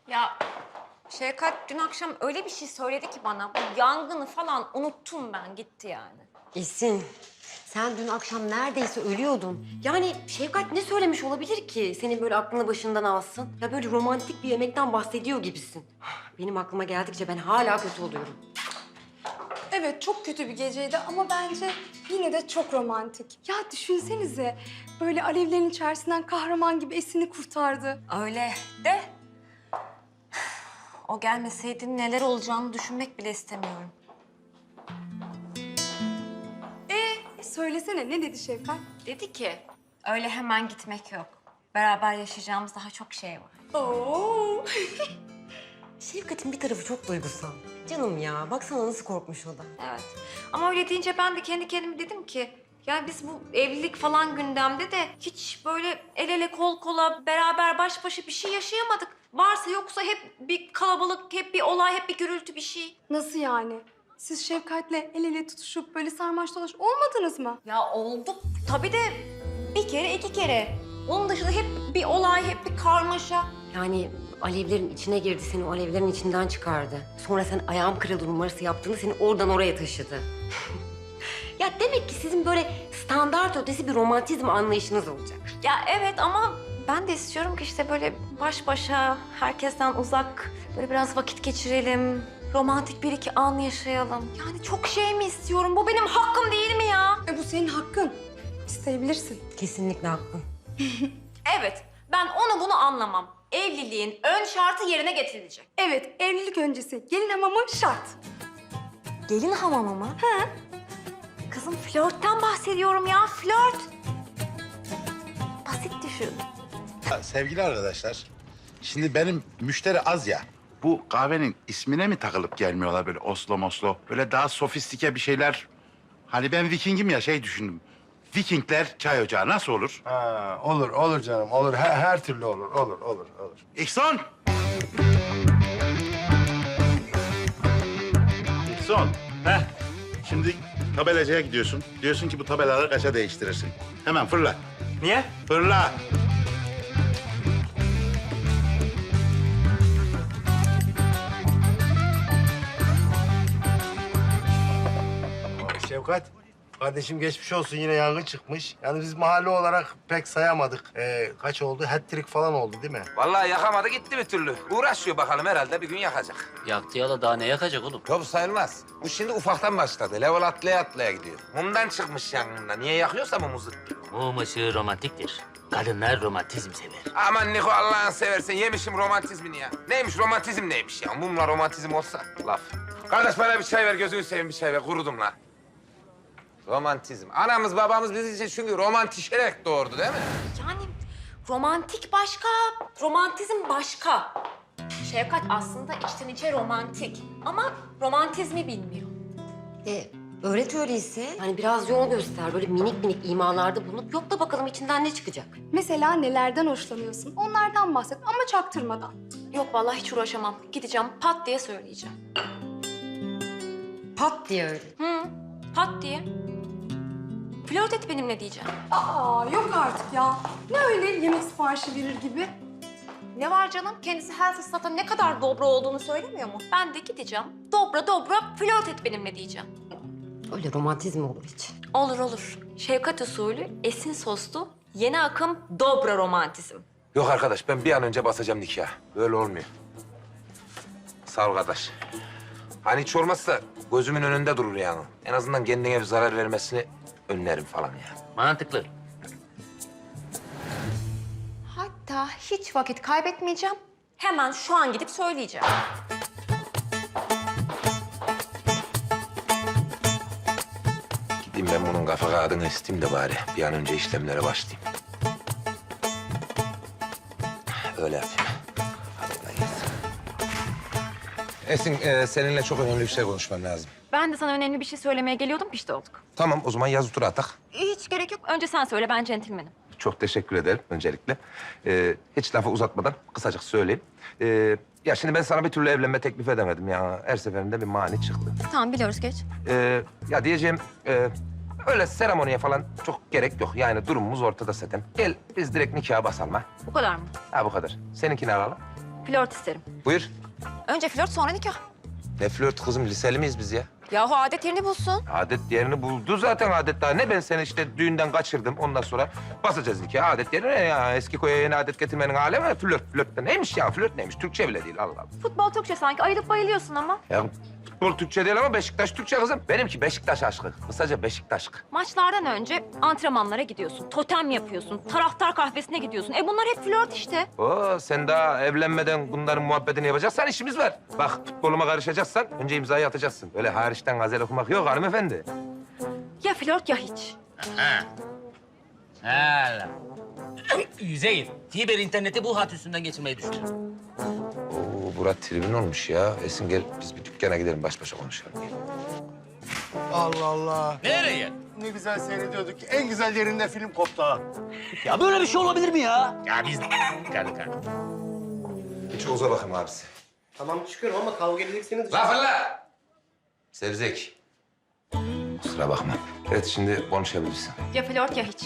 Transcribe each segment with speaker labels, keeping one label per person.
Speaker 1: Ya Şevkat dün akşam öyle bir şey söyledi ki bana. Bu yangını falan unuttum ben, gitti yani.
Speaker 2: Esin, sen dün akşam neredeyse ölüyordun. Yani Şevkat ne söylemiş olabilir ki senin böyle aklını başından alsın? Ya böyle romantik bir yemekten bahsediyor gibisin. Benim aklıma geldikçe ben hala kötü oluyorum.
Speaker 3: Evet, çok kötü bir geceydi ama bence yine de çok romantik. Ya düşünsenize, böyle alevlerin içerisinden kahraman gibi Esin'i kurtardı.
Speaker 1: Öyle de o gelmeseydi neler olacağını düşünmek bile istemiyorum.
Speaker 3: Söylesene, ne dedi Şevkat?
Speaker 1: Dedi ki öyle hemen gitmek yok. Beraber yaşayacağımız daha çok şey var.
Speaker 3: Oo.
Speaker 2: Şevkat'in bir tarafı çok duygusal. Canım ya, baksana nasıl korkmuş o da.
Speaker 1: Evet. Ama öyle deyince ben de kendi kendime dedim ki... Yani biz bu evlilik falan gündemde de hiç böyle el ele kol kola beraber baş başa bir şey yaşayamadık. Varsa yoksa hep bir kalabalık, hep bir olay, hep bir gürültü bir şey.
Speaker 3: Nasıl yani? Siz Şevkat'le el ele tutuşup böyle sarmaş dolaş olmadınız mı?
Speaker 1: Ya olduk tabii de bir kere iki kere. Onun dışında hep bir olay, hep bir karmaşa.
Speaker 2: Yani alevlerin içine girdi, seni o alevlerin içinden çıkardı. Sonra sen ayağım kırıldı numarası yaptığında seni oradan oraya taşıdı. Ya demek ki sizin böyle standart ötesi bir romantizm anlayışınız olacak.
Speaker 1: Ya evet ama ben de istiyorum ki işte böyle baş başa, herkesten uzak, böyle biraz vakit geçirelim. Romantik bir iki an yaşayalım. Yani çok şey mi istiyorum? Bu benim hakkım değil mi ya?
Speaker 3: Bu senin hakkın. İsteyebilirsin.
Speaker 2: Kesinlikle haklısın.
Speaker 1: Evet, ben onu bunu anlamam. Evliliğin ön şartı yerine getirilecek.
Speaker 3: Evet, evlilik öncesi gelin hamamı şart.
Speaker 1: Gelin hamamı mı? He. Kızım flörtten bahsediyorum ya, flört. Basit düşün.
Speaker 4: Sevgili arkadaşlar, şimdi benim müşteri az ya. Bu kahvenin ismine mi takılıp gelmiyorlar böyle Oslo Moslo? Böyle daha sofistike bir şeyler. Hani ben Viking'im ya şey düşündüm. Vikingler çay ocağı nasıl olur?
Speaker 5: Ha, olur canım, olur. Her türlü olur.
Speaker 4: İhsan! İhsan, heh. Şimdi tabelacıya gidiyorsun. Diyorsun ki bu tabelaları kaça değiştirirsin? Hemen fırla.
Speaker 6: Niye?
Speaker 4: Fırla.
Speaker 5: Şevkat, kardeşim geçmiş olsun, yine yangın çıkmış. Yani biz mahalle olarak pek sayamadık. Kaç oldu? Hat-trick falan oldu değil mi?
Speaker 7: Vallahi yakamadı gitti bir türlü. Uğraşıyor bakalım herhalde bir gün yakacak.
Speaker 6: Yaktı yala daha ne yakacak oğlum?
Speaker 7: Top sayılmaz. Bu şimdi ufaktan başladı. Level atlaya atlaya gidiyor. Mumdan çıkmış yangında. Niye yakıyorsa mumuzu.
Speaker 6: Mum ışığı romantiktir. Kadınlar romantizm sever.
Speaker 7: Aman Niko Allah'ını seversen yemişim romantizmini ya. Neymiş romantizm neymiş ya? Mumla romantizm olsa laf. Kardeş bana bir çay ver gözünü seveyim bir çay ver. Kurudum la. Romantizm. Anamız babamız bizi için çünkü romantişerek doğurdu değil mi?
Speaker 1: Yani romantik başka, romantizm başka. Şevkat aslında içten içe romantik ama romantizmi bilmiyor.
Speaker 2: Öğret öyleyse. Hani biraz yol göster. Böyle minik minik imalarda bulunup yok da bakalım içinden ne çıkacak.
Speaker 3: Mesela nelerden hoşlanıyorsun? Onlardan bahset ama çaktırmadan.
Speaker 1: Yok vallahi hiç uğraşamam. Gideceğim pat diye söyleyeceğim.
Speaker 2: Pat diye öyle.
Speaker 1: Hı, pat diye. Flört et benimle diyeceğim.
Speaker 3: Aa, yok artık ya. Ne öyle yemek siparişi verir gibi?
Speaker 1: Ne var canım? Kendisi her fırsatta ne kadar dobra olduğunu söylemiyor mu? Ben de gideceğim. Dobra dobra flört et benimle diyeceğim.
Speaker 2: Öyle romantizm olur hiç.
Speaker 1: Olur olur. Şevkat usulü, esin soslu, yeni akım dobra romantizm.
Speaker 7: Yok arkadaş ben bir an önce basacağım nikah. Böyle olmuyor. Sağ ol kardeş. Hani hiç olmazsa gözümün önünde durur yani. En azından kendine bir zarar vermesini önlerim falan ya.
Speaker 6: Mantıklı.
Speaker 1: Hatta hiç vakit kaybetmeyeceğim. Hemen şu an gidip söyleyeceğim.
Speaker 7: Gideyim ben bunun kafa kağıdını isteyeyim de bari bir an önce işlemlere başlayayım. Öyle yapayım. Hadi kolay gelsin. Esin, seninle çok önemli bir şey konuşmam lazım.
Speaker 1: Ben de sana önemli bir şey söylemeye geliyordum, pişti olduk.
Speaker 7: Tamam, o zaman yazı tura atak.
Speaker 1: Hiç gerek yok. Önce sen söyle, ben centilmenim.
Speaker 7: Çok teşekkür ederim öncelikle. Hiç lafı uzatmadan kısacık söyleyeyim. Ya şimdi ben sana bir türlü evlenme teklif edemedim ya. Her seferinde bir mani çıktı.
Speaker 1: Tamam, biliyoruz geç.
Speaker 7: Ya diyeceğim, öyle seremoniye falan çok gerek yok. Yani durumumuz ortada zaten. Gel biz direkt nikaha basalım ha.
Speaker 1: Bu kadar mı?
Speaker 7: Ha bu kadar. Seninkini alalım.
Speaker 1: Flört isterim.
Speaker 7: Buyur.
Speaker 1: Önce flört sonra nikah.
Speaker 7: Ne flört kızım, liseli miyiz biz ya?
Speaker 1: Yahu adet yerini bulsun.
Speaker 7: Adet yerini buldu zaten adet daha. Ne ben seni işte düğünden kaçırdım. Ondan sonra basacağız nikah. Adet yerine ya. Eski koya yeni adet getirmenin alemi flört de neymiş ya? Flört neymiş? Türkçe bile değil Allah Allah.
Speaker 1: Futbol Türkçe sanki ayılıp bayılıyorsun ama.
Speaker 7: Ya futbol Türkçe değil ama Beşiktaş Türkçe kızım. Benimki Beşiktaş aşkı. Kısaca Beşiktaş aşkı.
Speaker 1: Maçlardan önce antrenmanlara gidiyorsun, totem yapıyorsun, taraftar kahvesine gidiyorsun. Bunlar hep flört işte.
Speaker 7: Oo, sen daha evlenmeden bunların muhabbetini yapacaksan işimiz var. Bak futboluma karışacaksan önce imzayı atacaksın. Öyle hariçten gazel okumak yok hanımefendi.
Speaker 1: Ya flört ya hiç.
Speaker 6: Hala. Yüzeyir. Fiber interneti bu hat üstünden geçirmeyi düşünüyorum.
Speaker 7: Oo, Burak tribün olmuş ya. Esin gel biz bir dükkana gidelim baş başa konuşalım. Gel.
Speaker 5: Allah Allah.
Speaker 6: Nereye?
Speaker 5: Ne güzel seyrediyorduk. En güzel yerinde film koptu ha.
Speaker 6: Ya böyle bir şey olabilir mi ya? Ya biz kanka.
Speaker 7: Hiç Oğuz'a bakayım abisi.
Speaker 5: Tamam çıkıyorum ama kavga edeceksiniz.
Speaker 7: La fırla! Sevzek. Kusura bakma. Evet şimdi konuşabilirsin.
Speaker 1: Ya flört ya hiç.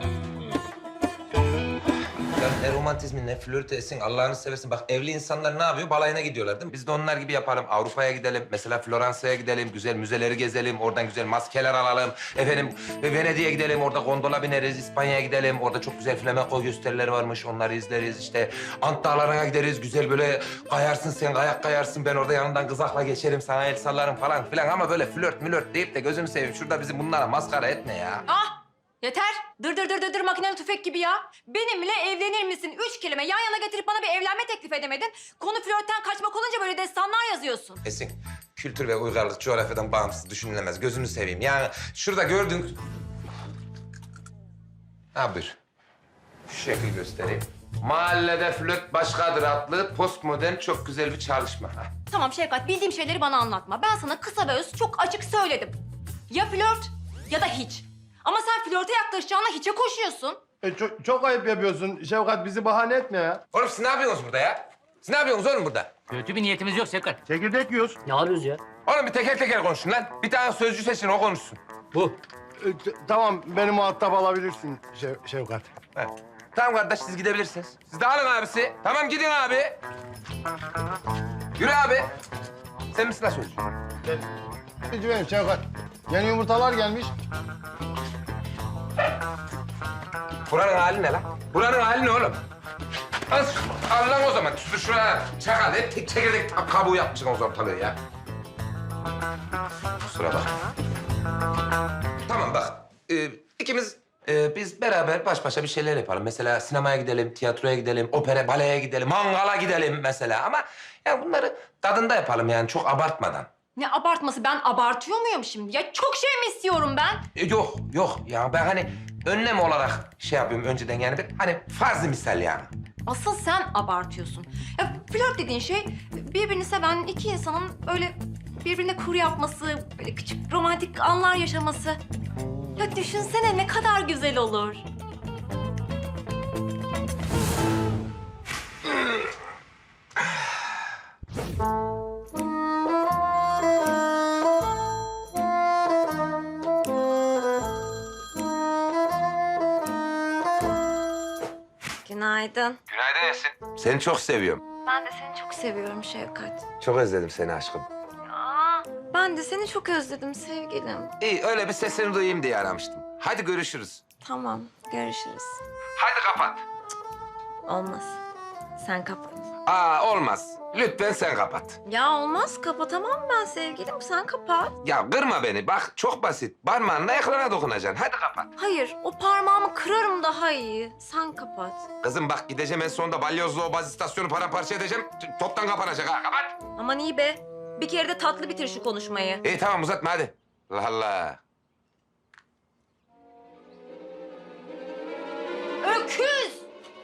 Speaker 7: Ya ne romantizmi ne flörtü Esin Allah'ını seversin. Bak evli insanlar ne yapıyor? Balayına gidiyorlar değil mi? Biz de onlar gibi yapalım. Avrupa'ya gidelim. Mesela Floransa'ya gidelim. Güzel müzeleri gezelim. Oradan güzel maskeler alalım. Efendim Venedik'e gidelim. Orada gondola bineriz. İspanya'ya gidelim. Orada çok güzel flamenco gösterileri varmış. Onları izleriz. İşte Ant Dağları'na gideriz. Güzel böyle kayarsın sen, kayak kayarsın. Ben orada yanından kızakla geçerim. Sana el sallarım falan filan. Ama böyle flört mülört deyip de gözünü seveyim. Şurada bizi bunlara maskara etme ya.
Speaker 1: Ah! Yeter. Dır makineli tüfek gibi ya. Benimle evlenir misin? 3 kelime yan yana getirip bana bir evlenme teklif edemedin. Konu flörtten kaçmak olunca böyle destanlar yazıyorsun.
Speaker 7: Esin, kültür ve uygarlık coğrafyadan bağımsız düşünülemez. Gözünü seveyim. Yani şurada gördüğün... Ha buyur. Şu şekil göstereyim. Mahallede flört başkadır adlı postmodern çok güzel bir çalışma. Ha.
Speaker 1: Tamam Şevkat, bildiğim şeyleri bana anlatma. Ben sana kısa ve öz çok açık söyledim. Ya flört ya da hiç. Ama sen flörte yaklaşacağına hiçe koşuyorsun.
Speaker 5: Çok ayıp yapıyorsun. Şevkat bizi bahane etme ya.
Speaker 7: Oğlum siz ne yapıyorsunuz burada ya? Siz ne yapıyorsunuz oğlum burada?
Speaker 6: Kötü bir niyetimiz yok Sevkat.
Speaker 5: Çekirdek yiyoruz.
Speaker 6: Ne yapıyoruz ya?
Speaker 7: Oğlum bir teker teker konuşun lan. Bir tane sözcü seçin o konuşsun.
Speaker 6: Bu.
Speaker 5: Tamam beni muhatap alabilirsin Şevkat.
Speaker 7: Ha. Tamam kardeş siz gidebilirsiniz. Siz de alın abisi. Tamam gidin abi. Yürü abi. Sen misin lan sözcü?
Speaker 5: Benim Şevkat. Yeni yumurtalar gelmiş.
Speaker 7: Buranın hali ne lan? Buranın hali ne oğlum? Al lan o zaman. Tüsür şuraya. Çakal. Hep tek çekirdek kabuğu yapmışsın o ortalığı ya. Kusura bakma. Tamam bak. İkimiz biz beraber baş başa bir şeyler yapalım. Mesela sinemaya gidelim, tiyatroya gidelim, opera, baleye gidelim, mangala gidelim mesela. Ama yani bunları tadında yapalım yani çok abartmadan.
Speaker 1: Ne abartması? Ben abartıyor muyum şimdi? Ya çok şey mi istiyorum ben?
Speaker 7: Yok ya ben hani önlem olarak şey yapıyorum önceden yani bir hani farz misal yani.
Speaker 1: Asıl sen abartıyorsun. Ya flört dediğin şey birbirini seven iki insanın böyle birbirine kur yapması, böyle küçük romantik anlar yaşaması. Ya düşünsene ne kadar güzel olur. Günaydın.
Speaker 7: Günaydın Esin. Seni çok seviyorum.
Speaker 1: Ben de seni çok seviyorum Şevkat.
Speaker 7: Çok özledim seni aşkım.
Speaker 1: Ben de seni çok özledim sevgilim.
Speaker 7: İyi öyle bir sesini duyayım diye aramıştım. Hadi görüşürüz.
Speaker 1: Tamam, görüşürüz.
Speaker 7: Hadi kapat.
Speaker 1: Olmaz. Sen kapat.
Speaker 7: Olmaz. Lütfen sen kapat.
Speaker 1: Ya olmaz, kapatamam ben sevgilim. Sen kapat.
Speaker 7: Ya kırma beni. Bak çok basit. Parmağınla ekrana dokunacaksın. Hadi kapat.
Speaker 1: Hayır, o parmağımı kırarım daha iyi. Sen kapat.
Speaker 7: Kızım bak gideceğim en sonunda balyozlu o baz istasyonu paramparça edeceğim. Toptan kapanacak ha. Kapat.
Speaker 1: Aman iyi be. Bir kere de tatlı bitir şu konuşmayı.
Speaker 7: İyi tamam uzatma hadi. Allah Allah.
Speaker 1: Öküz!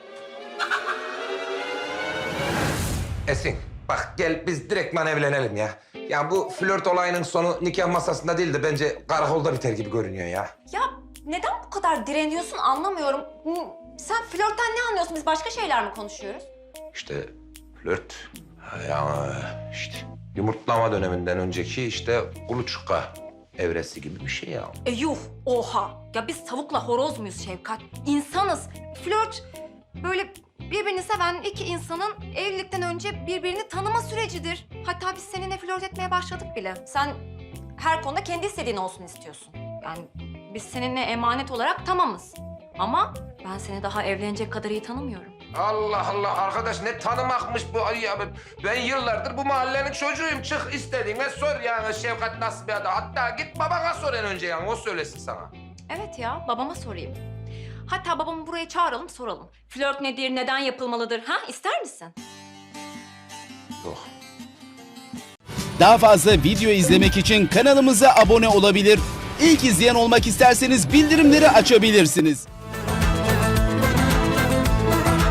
Speaker 7: Esin bak gel biz direktman evlenelim ya. Ya bu flört olayının sonu nikah masasında değil de bence karakolda biter gibi görünüyor ya.
Speaker 1: Ya neden bu kadar direniyorsun anlamıyorum. Sen flörtten ne anlıyorsun? Biz başka şeyler mi konuşuyoruz?
Speaker 7: İşte flört. Ya işte yumurtlama döneminden önceki işte kuluçka evresi gibi bir şey ya.
Speaker 1: Yuh, oha. Ya biz tavukla horoz muyuz Şevkat? İnsanız. Flört böyle birbirini seven iki insanın evlilikten önce birbirini tanıma sürecidir. Hatta biz seninle flört etmeye başladık bile. Sen her konuda kendi istediğin olsun istiyorsun. Yani biz seninle emanet olarak tamamız. Ama ben seni daha evlenecek kadar iyi tanımıyorum.
Speaker 7: Allah Allah arkadaş ne tanımakmış bu ay ya. Ben yıllardır bu mahallenin çocuğuyum. Çık istediğine sor yani Şevkat nasıl bir adam. Hatta git babana sor en önce yani o söylesin sana.
Speaker 1: Evet ya, babama sorayım. Hatta babamı buraya çağıralım, soralım. Flört nedir, neden yapılmalıdır? Ha, ister misin?
Speaker 7: Yok.
Speaker 8: Daha fazla video izlemek için kanalımıza abone olabilir. İlk izleyen olmak isterseniz bildirimleri açabilirsiniz.